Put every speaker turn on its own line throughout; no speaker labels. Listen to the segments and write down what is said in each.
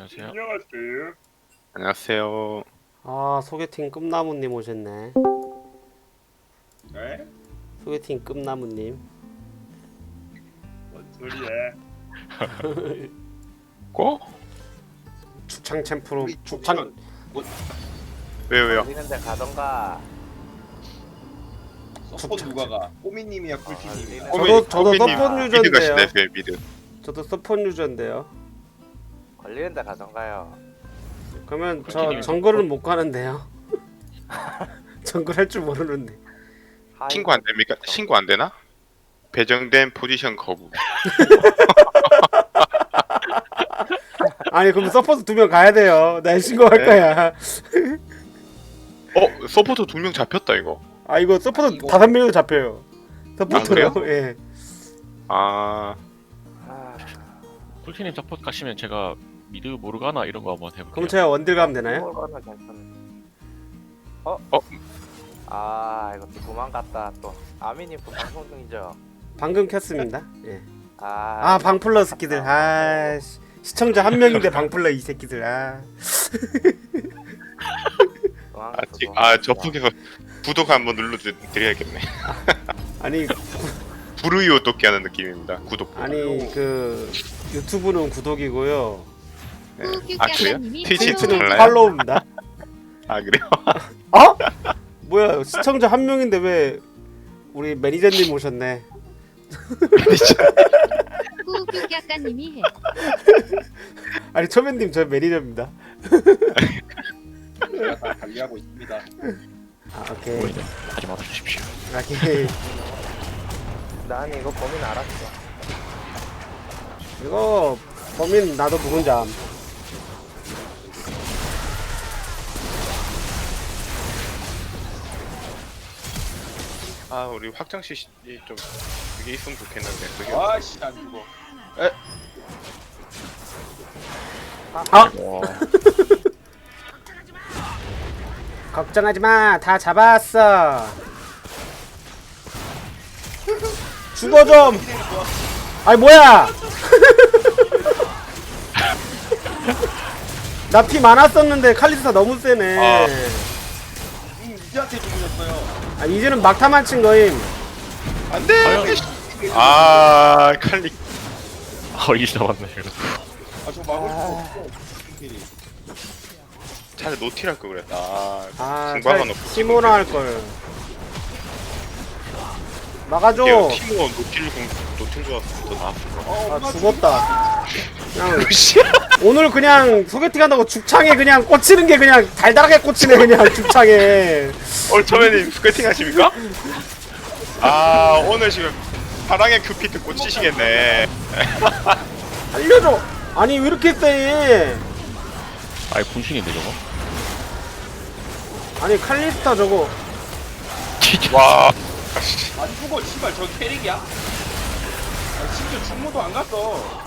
안녕하세요.
안녕하세요.
안녕하세요.
아, 소개팅 꿈나무님 오셨네.
네?
소개팅 꿈나무님.
뭔 소리야?
고?
죽창 챔프로
우리
죽창.
왜요?
걸리는데 가던가.
서포 누가 가? 꼬미님이야 꿀티님이야?
저도 서폿 유저인데요.
미드 가시네, 왜 미드?
저도 서폿 유저인데요.
걸리는데 가던가요.
그러면 저
꿀티님이
정글은 못 가는데요. 정글 할 줄 모르는데.
신고 안 됩니까? 신고 안 되나? 배정된 포지션 거부.
아니 그럼 서포트 2명 가야 돼요. 난 신고할
네.
거야.
서포터 2명 잡혔다 이거.
아 이거 서포트
이거-
5명도 잡혀요. 서포트요?
그래요?
예.
아,
꿀티님 서포트 가시면 제가 미드 모르가나 이런 거 한번 해볼게요.
그럼 제가 원딜 가면 되나요?
이거는 괜찮네. 어?
어?
아 이거 또 도망갔다 또. 아미님 또 방송 중이죠?
방금 켰습니다. 예.
아,
아 방플러 새끼들. 아 시청자 1명인데 방플러 이 새끼들. 아.
접속해서 구독 한번 눌러드려야겠네.
아니
부르이오 돕기 하는 느낌입니다. 구독.
아니 그 유튜브는 구독이고요.
아 그래요? 트위치는
트위치는
달라요?
팔로우입니다.
아 그래요?
어? 뭐야 시청자 1명인데 왜 우리 매니저님 오셨네.
후극 약간님이 해.
아니 초면님 저 매니저입니다.
제가 다 관리하고 있습니다.
아 오케이.
보이네. 하지 말아주십시오.
오케이.
난 이거 범인 알았어.
이거 범인 나도 누군지 암.
아 우리 확장시 좀 그게 있으면 좋겠는데 그게
아씨 안 죽어.
아
와,
걱정하지 마. 다 잡았어. 죽어 좀. 아니 뭐야? 나 피 많았었는데 칼리스타 너무 세네.
아.
이제한테 죽으셨어요.
아 이제는 막타만 친 거임.
안돼.
과연?
아 칼리.
이제 잡았네. 이거.
아저 막을 수가 없어. 꿀티님.
차라리 노틸 할걸 그랬다.
아
중방은 없고
티모나 할 걸. 막아줘.
티모 노틸 좋았으면 더 나았을 거.
아 죽었다. 그냥 오늘 그냥 소개팅 한다고 죽창에 그냥 꽂히는 게 그냥 달달하게 꽂히네 그냥 죽창에.
오늘 처음에는 스케팅 하십니까? 아 오늘 지금 사랑의 큐피드 꽂히시겠네.
알려줘. 아니 왜 이렇게 세?
아이 분신인데 저거.
아니 칼리스타 저거.
와.
안 죽어 씨발 저 캐릭이야? 아, 심지어 중모도 안 갔어.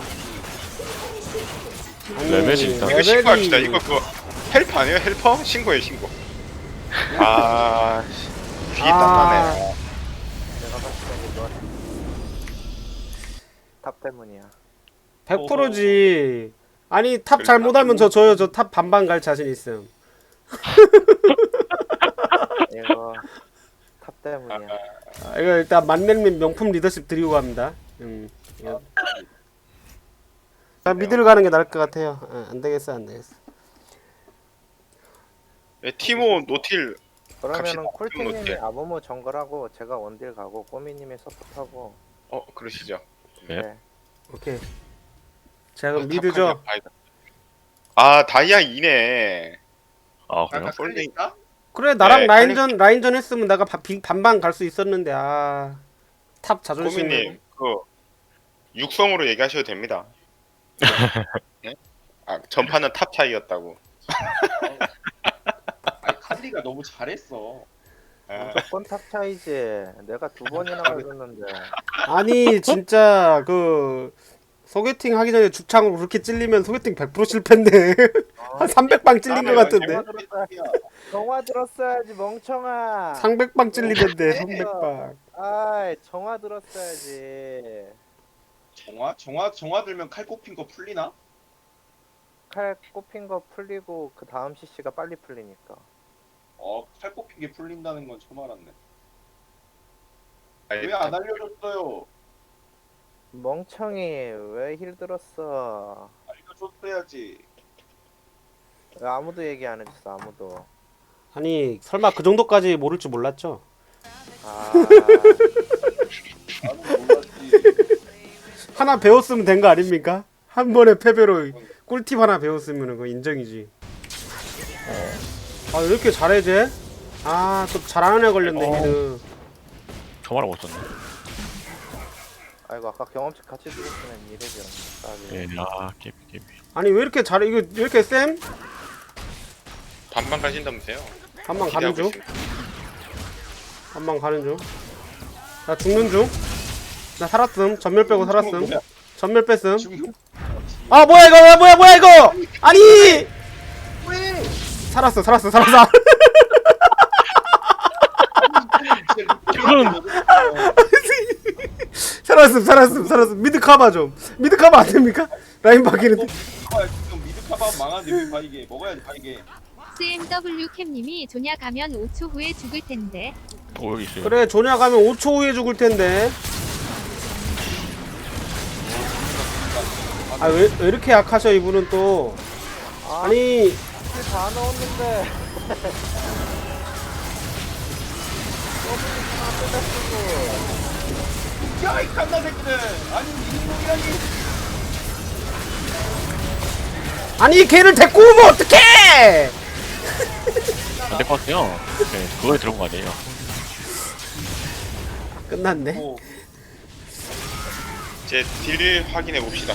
아니,
레벨이 있다.
이거 신고합시다. 이거 그거 헬퍼 아니에요? 헬퍼? 신고해 신고. 아 귀 땀나네.
내가 봤을 때 이거 탑 때문이야.
100%지. 아니 탑 잘못하면 저 줘요. 저 탑 반반 갈 자신 있음.
이거 탑 때문이야.
아, 이거 일단 만렙님 명품 리더십 드리고 갑니다. 이거. 자 미드를 가는 게 나을 것 같아요. 안 되겠어 안 되겠어.
네, 티모 노틸
그러면은
갑시다.
쿨티님이
어때?
아무무 정글하고 제가 원딜 가고 꼬미님이 서포트하고.
그러시죠.
네.
네.
오케이. 자 그럼 미드죠.
아 다이아 2네.
아 그래요?
아까 칼리스타?
그래 나랑
네,
라인전 했으면 내가 반반 갈 수 있었는데 탑 자존심.
고민님 그 육성으로 얘기하셔도 됩니다. 네? 아 전파는 탑 차이였다고.
아니 칼리가 너무 잘했어.
아,
무조건 탑 차이지. 내가 2번이나 걸렸는데.
아니 진짜 그 소개팅 하기 전에 죽창으로 그렇게 찔리면 소개팅 100% 실패인데 한 300방 찔린 것 같은데.
정화 들었어야지 멍청아.
300방 찔리던데 300방.
아이 정화 들었어야지.
정화 들면 칼 꼽힌 거 풀리나?
칼 꼽힌 거 풀리고 그 다음 CC가 빨리 풀리니까.
칼 꼽히게 풀린다는 건 처음 알았네.
아니,
왜 안 알려줬어요?
멍청이 왜 힐 들었어?
알려줬어야지.
왜 아무도 얘기 안 해줬어 아무도.
아니 설마 그 정도까지 모를 줄 몰랐죠?
아
나는 몰랐지.
하나 배웠으면 된 거 아닙니까? 한 번의 패배로 꿀팁 하나 배웠으면 그거 인정이지. 아 왜 이렇게 잘해 쟤? 아또 잘하는 애 걸렸네 미드.
저말을 못 썼네.
아이고 아까 경험치 같이 죽었으면 이래죠.
예, 아, 깨비.
아니 왜 이렇게 잘해? 이거 왜 이렇게 쌤?
반반 가신다면서요?
한방 가는
기대하고
중?
있습니다.
한방 가는 중? 나 죽는 중? 나 살았음. 전멸 빼고 살았음. 전멸 뺐음.
지금
아 뭐야 이거 뭐야 이거? 아니! 살았어. 살았음. 미드 카바 좀. 미드 카바 안 됩니까? 라인 바뀌는데.
지금 미드 카바 망한데 왜 바이게 먹어야지 바이게.
CMW 캠님이 조냐 가면 5초 후에 죽을 텐데.
오, 여기 있어요.
그래 조냐 가면 5초 후에 죽을 텐데. 아 왜 이렇게 약하셔 이분은 또. 아니
다 넣었는데.
야이 칸나 새끼들. 아니 이놈이라니.
아니 걔를 데리고 오면 어떡해!
안 될 것 같아요. 네, 그거에 들어온 거 아니에요.
끝났네.
제 딜 확인해 봅시다.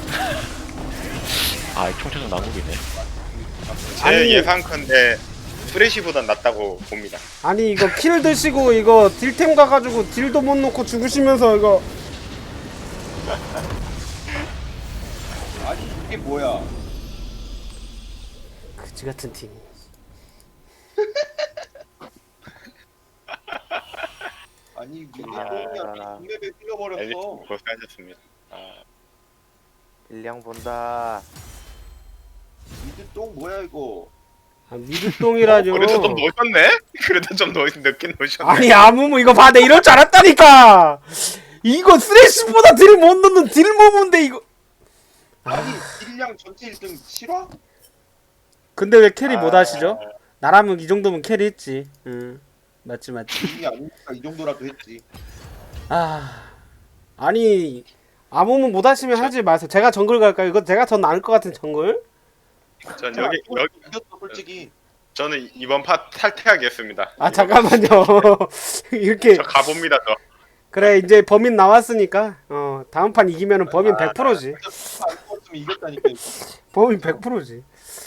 아, 총체적 난국이네.
제
아니.
예상컨대 프레시보단 낫다고 봅니다.
아니 이거 킬 드시고 이거 딜템 가가지고 딜도 못 놓고 죽으시면서 이거
아니 이게 뭐야?
그지 같은 팀.
아니 미드
아.
똥이야. 빅맵에
엘리트
흘려버렸어.
고생하셨습니다. 아,
일량 본다.
미드 똥 뭐야 이거?
아 미드똥이라뇨.
그래도 좀 넣으셨네? 그래도 좀 늦게 넣으셨네.
아니 아무무 이거 봐, 내 이럴 줄 알았다니까. 이거 쓰레쉬보다 딜 못 넣는 딜 모문데 이거.
아니 딜량 전체 1등 실화?
근데 왜 캐리 못 하시죠? 나라면 이 정도면 캐리 했지. 응, 맞지.
이게 아니니까 이 정도라도 했지.
아니 아무무 못 하시면 하지 마세요. 제가 정글 갈까요? 이거 제가 더 나을 것 같은 정글?
전 여기
이겼어 솔직히.
저는 이번 파 탈퇴하겠습니다.
아 잠깐만요. 이렇게
저 가봅니다. 저.
그래 이제 범인 나왔으니까 다음 판 이기면은 범인 100%지.
안 죽었으면 이겼다니까.
범인 100%지.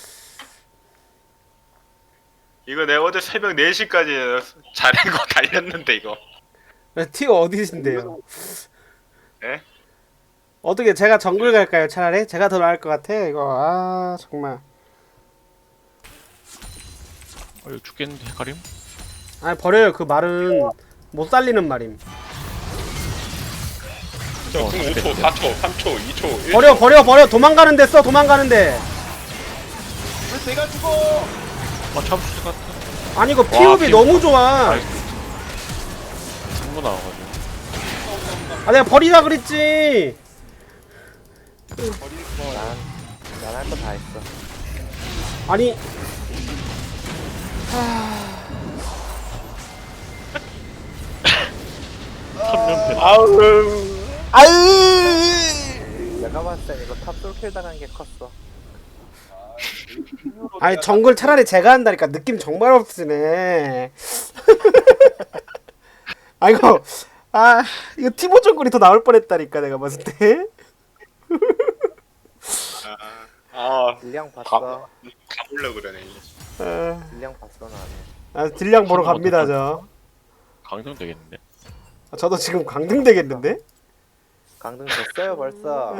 이거 내가 어제 새벽 4시까지 자는 거 달렸는데 이거.
티어 어디신데요?
예?
어떻게 제가 정글 갈까요? 차라리 제가 더 나을 것 같아. 이거 정말.
이거 죽겠는데, 헷갈림?
아니 버려요. 그 말은 못 살리는 말임.
저 5초, 4초, 3초, 2초, 1초.
버려. 도망가는데 써. 도망가는데.
왜 내가 죽어?
잡을 수 있을 것 같아.
아니 이거 피업이
피업.
너무 좋아.
승부 나와가지고.
내가 버리라 그랬지.
난 할 거 다 했어.
아니
내가 봤을 땐 이거 탑 솔킬 당한 게 컸어.
아니 정글 차라리 제가 한다니까. 느낌 정말 없으네. 이거 이거 티모 정글이 더 나올 뻔했다니까 내가 봤을 때.
일량 봤어.
가보려 그러네.
일량 봤어 나는.
딜량 보러 갑니다 저.
강등 되겠는데?
저도 지금 강등 되겠는데?
강등 됐어요 벌써.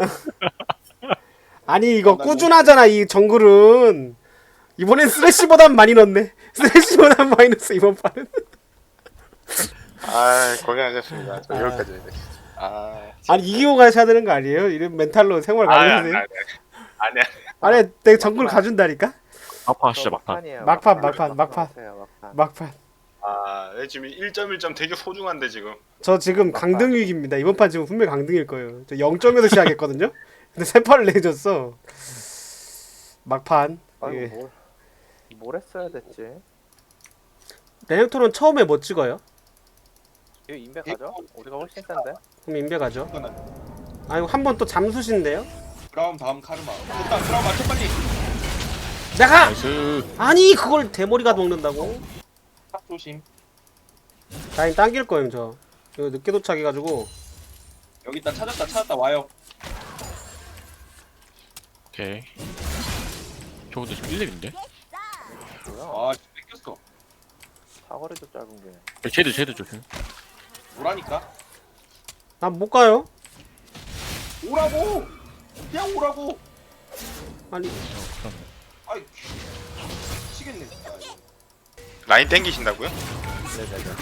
아니 이거 꾸준하잖아 이 정글은. 이번엔 스레시보단 많이 넣네. 스레시보단 마이너스 이번 판은.
고생하셨습니다. 저 여기까지 해야 돼.
아니 이기고 가셔야 되는 거 아니에요? 이런 멘탈로 생활 가능하세요?
아니야.
아니 내가 정글 가준다니까.
아파 진짜 막판.
막판이에요.
막판.
막판.
막판.
아 지금 1.1점 되게 소중한데 지금.
저 지금 강등 위기입니다. 이번 판 지금 분명 강등일 거예요. 저 0점에서 시작했거든요. 근데 세 판을 내줬어. 막판.
아이고
예.
뭘 했어야 됐지?
레넥톤은 처음에 뭐 찍어요?
이거 인베 가죠? 우리가 훨씬 센데?
그럼 인베 가죠.
이거는
아이고 한 번 또 잠수신데요?
그라움 다음 카르마. 일단 그라움 맞춰 빨리.
내가
나이스.
아니 그걸 대머리가 먹는다고?
탑 조심.
라인 당길 거예요 저. 이거 늦게 도착해가지고.
여기 있다 찾았다 와요.
오케이. 저것도 지금 1렙인데?
뭐야?
아 뺏겼어.
사거리도 짧은 게.
쟤도 조심.
오라니까.
난 못 가요.
오라고. 그냥 오라고.
아니
그럼.
아이 미치겠네 진짜.
라인 땡기신다고요?
네네네.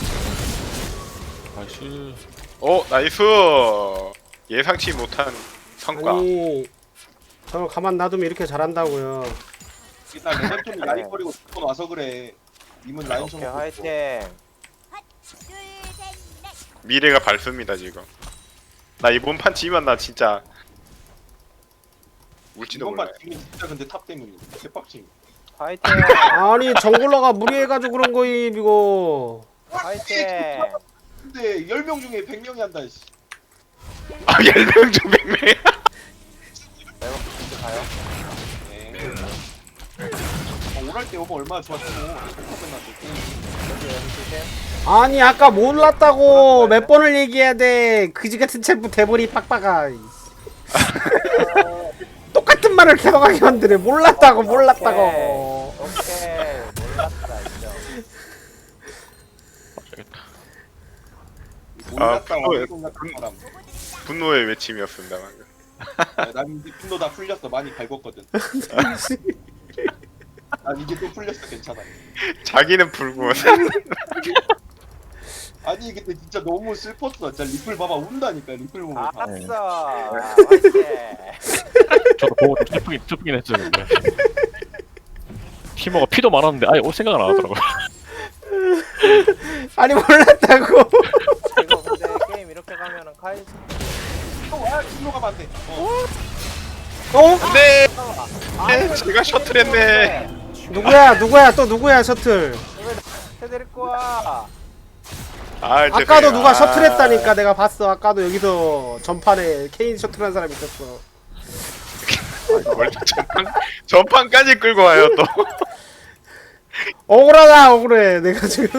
나이스.
나이스. 예상치 못한 성과.
아니 저걸 가만 놔두면 이렇게 잘한다고요.
일단 레넥톤이 라인 버리고 돈 와서 그래. 님은 라인 좀
오케이 화이팅.
미래가 밝습니다 지금. 나 이번 판 지면 나 진짜 울지도
이번만
몰라요.
지금 진짜 근데 탑 때문에 개빡침.
화이팅.
아니 정글러가 무리해가지고 그런 거임 이거.
화이팅.
근데 10명 중에 100명이 한다 씨.
아 10명 중 100명.
내가 이제 가요.
네. 오랄 때 오면 얼마나 좋았지 뭐.
여기 조심.
아니 아까 몰랐다고 몇 번을 얘기해야 돼. 그지 같은 챔프 대머리 빡빡아. 똑같은 말을 계속하게 만드네. 몰랐다고.
오케이 몰랐다 인정.
맞겠다.
몰랐다
그거에
어이없는 사람.
분노의 외침이었습니다 방금.
난 이제 분노 다 풀렸어. 많이 갈궜거든. 난 이제 또 풀렸어. 괜찮아.
자기는 불구.
아니 근데 진짜 너무 슬펐어. 진짜 리플 봐봐 운다니까 리플 보면.
알았어. 화이팅.
저도 보고 좀 슬프긴 했죠 근데. 티모가 피도 많았는데 아예 올 생각은 안 하더라고요.
아니 몰랐다고.
이거 근데 게임 이렇게 가면은 카이
아 진로 가면 안 돼.
네.
아,
제가 셔틀했네.
누구야 또 누구야 셔틀.
해드릴 거야.
아까도 누가 셔틀했다니까 내가 봤어. 아까도 여기서 전판에 케인 셔틀한 사람 있었어.
뭘 전판까지 끌고 와요 또.
억울하다 억울해 내가 지금.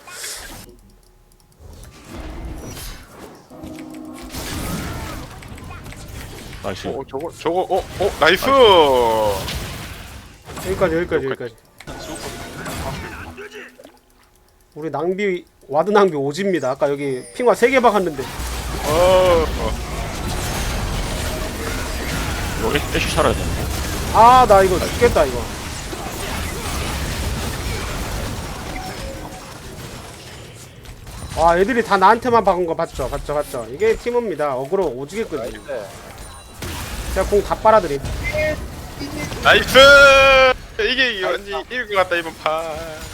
나이스.
저거 나이스.
여기까지. 우리 낭비 와드 낭비 오지입니다. 아까 여기 핑화 3개 박았는데.
이거 애쉬 살아야 되는데.
아 나 이거 죽겠다 이거. 아 애들이 다 나한테만 박은 거 봤죠. 이게 팀입니다. 어그로 오지겠거든요. 제가 공 다 빨아들임.
나이스. 이게 완전 이길 것 같다 이번 판.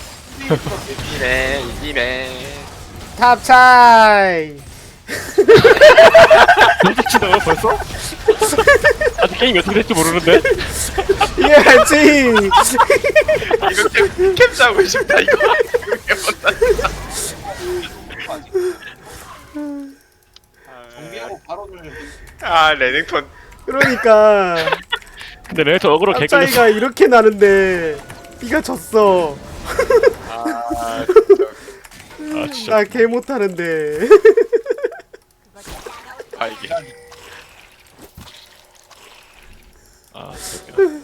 이기네.
탑 차이.
진짜 벌써? 아직 게임이 어떻게 될지 모르는데?
이해할지.
이거 캡 짜고 싶다 이거.
정비하고 발언을.
레넥톤.
그러니까
근데 레이터 어그로
탑
개끌렸어.
차이가 이렇게 나는데 네가 졌어.
아 진짜.
나 개 못하는데.
이게.
아 진짜.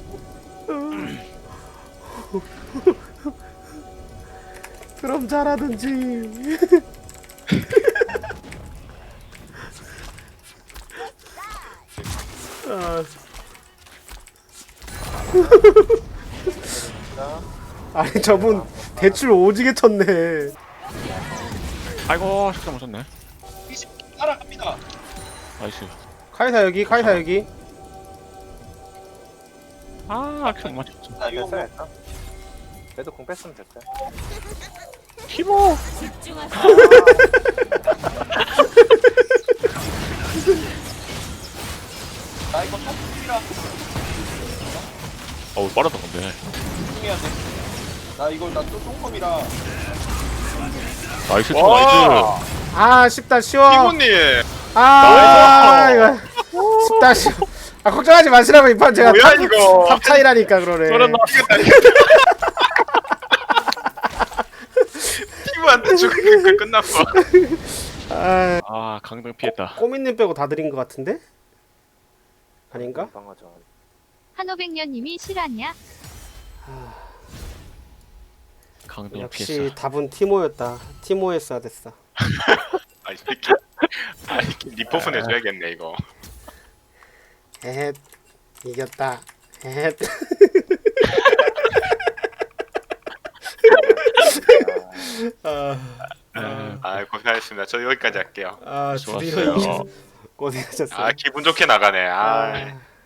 그럼 잘하든지. 아. 아니 저분 대출 오지게 쳤네.
아이고 식사 못 썼네.
20 따라갑니다.
나이스.
카이사 여기.
아, 큐 맞췄어.
아 이거
됐어
뭐
됐어. 그래도 공 뺐으면 됐어.
티모.
나 이거 탑이라
어우, 빠르다, 근데.
집중해야 돼. 나 이거 나또 똥컴이라.
나이스,
와.
나이스.
아 쉽다 쉬워.
티모님.
아 이거 쉽다 쉬워. 아 걱정하지 마시라고 이 판 제가
뭐야, 이거.
탑 차이라니까 그러네.
그러나.
티모한테 죽으니까 끝났어.
아
아, 강등 피했다.
꼬민님 빼고 다 드린 것 같은데? 아닌가?
방어전.
한오백년님이 실화냐?
강등
역시
피했어.
답은 티모였다. 티모 했어야 됐어.
아, 이 새끼. 아, 이렇게 리포프 내줘야겠네, 이거.
에헷 이겼다. 에헷. 아,
아, 고생하셨습니다. 저 여기까지 할게요.
아
좋았어요.
드디어 고생하셨어요.
아, 기분 좋게 나가네. 아.
아.